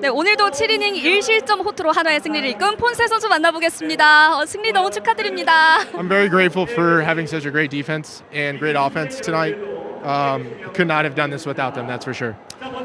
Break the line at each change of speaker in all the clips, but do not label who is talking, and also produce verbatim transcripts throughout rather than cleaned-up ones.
네, 오늘도 칠 이닝 일 실점 호투로 한화의 승리를 이끈 폰세 선수 만나보겠습니다. 어, 승리 너무 축하드립니다.
I'm very grateful for having such a great defense and great offense tonight. Um, could not have done this without them, that's for sure.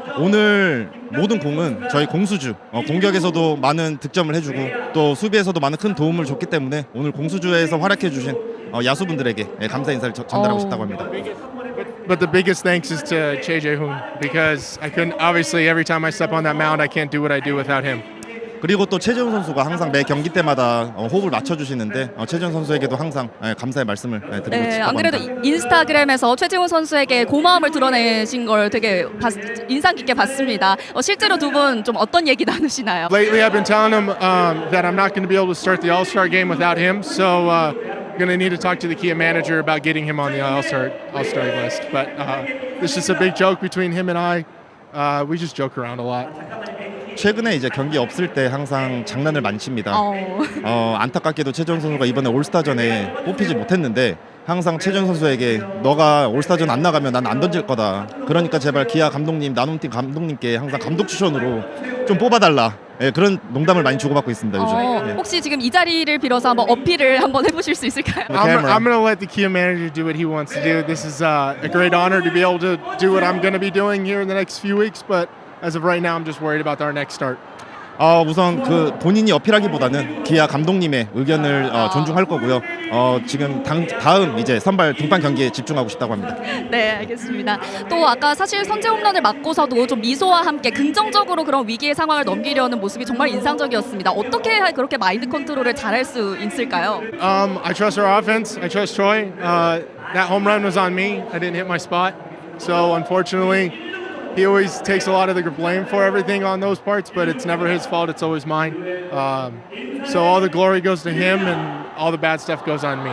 오늘 모든 공은 저희 공수주 어, 공격에서도 많은 득점을 해주고 또 수비에서도 많은 큰 도움을 줬기 때문에 오늘 공수주에서 활약해 주신 어, 야수분들에게 예, 감사 인사를 저, 전달하고
어.
싶다고 합니다.
But the biggest thanks is to Che Jae-hoon because I couldn't, obviously every time I step on that mound I can't do what I do without him.
그리고 또 최재훈 선수가 항상 매 경기 때마다 어, 호흡을 맞춰주시는데 어, 최재훈 선수에게도 항상 예, 감사의 말씀을 예, 드리고
네,
싶다고
안 그래도
합니다.
인스타그램에서 최지훈 선수에게 고마움을 드러내신 걸 되게 봤, 인상 깊게 봤습니다. 어, 실제로 두 분 좀 어떤 얘기 나누시나요?
Lately I've been telling him um, that I'm not going to be able to start the All-Star game without him, so uh, going to need to talk to the Kia manager about getting him on the All-Star All-Star list. But uh, it's just a big joke between him and I. Uh, we just joke around a lot.
최근에 이제 경기 없을 때 항상 장난을 많이 칩니다.
어,
어, 안타깝게도 최재훈 선수가 이번에 올스타전에 뽑히지 못했는데 항상 최재훈 선수에게 너가 올스타전 안 나가면 난 안 던질 거다. 그러니까 제발 기아 감독님, 나눔팀 감독님께 항상 감독 추천으로 좀 뽑아달라. 예, 그런 농담을 많이 주고받고 있습니다 요즘.
어,
예.
혹시 지금 이 자리를 빌어서 한번 어필을 한번 해보실 수 있을까요?
The
I'm,
camera.
I'm going to let the Kia manager do what he wants to do. This is uh, a great honor to be able to do what I'm going to be doing here in the next few weeks, but as of right now, I'm just worried about our next start.
어, 우선 그 본인이 어필하기보다는 기아 감독님의 의견을 어, 존중할 거고요. 어, 지금 당, 다음 이제 선발 등판 경기에 집중하고 싶다고 합니다.
네, 알겠습니다. 또 아까 사실 선제 홈런을 맞고서도 좀 미소와 함께 긍정적으로 그런 위기의 상황을 넘기려는 모습이 정말 인상적이었습니다. 어떻게 그렇게 마인드 컨트롤을 잘할 수 있을까요?
Um, I trust our offense. I trust Troy. Uh, that home run was on me. I didn't hit my spot. So unfortunately, he always takes a lot of the blame for everything on those parts, but it's never his fault. It's always mine. Um, so all the glory goes to him and all the bad stuff goes on me.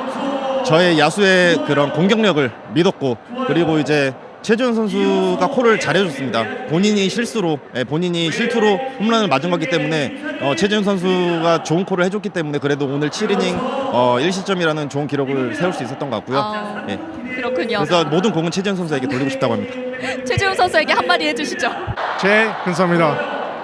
저의 야수의 그런 공격력을 믿었고 그리고 이제 최재훈 선수가 콜을 잘해줬습니다. 본인이 실수로 예, 본인이 실투로 홈런을 맞은 거기 때문에 어, 최재훈 선수가 좋은 콜을 해줬기 때문에 그래도 오늘 칠 이닝 어, 일 실점이라는 좋은 기록을 세울 수 있었던 것 같고요.
아,
예.
그렇군요.
그래서 모든 공은 최재훈 선수에게 돌리고 싶다고 합니다.
최지훈 선수에게 한마디 해주시죠.
Che, 감사합니다.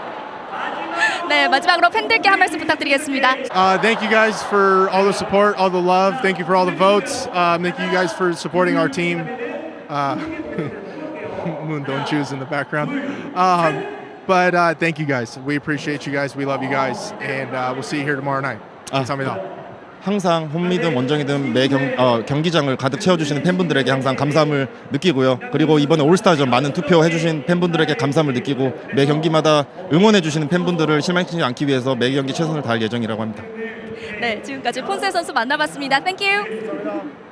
네, 마지막으로 팬들께 한 말씀 부탁드리겠습니다.
Uh, thank you guys for all the support, all the love. Thank you for all the votes. Um, thank you guys for supporting our team. Uh, Moon don't choose in the background. Um, but uh, thank you guys. We appreciate you guys. We love you guys. And uh, we'll see you here tomorrow night.
아.
감사합니다.
항상 홈이든 원정이든 매 경, 어, 경기장을 가득 채워주시는 팬분들에게 항상 감사함을 느끼고요. 그리고 이번에 올스타전 많은 투표해주신 팬분들에게 감사함을 느끼고 매 경기마다 응원해주시는 팬분들을 실망시키지 않기 위해서 매 경기 최선을 다할 예정이라고 합니다.
네, 지금까지 폰세 선수 만나봤습니다. 땡큐.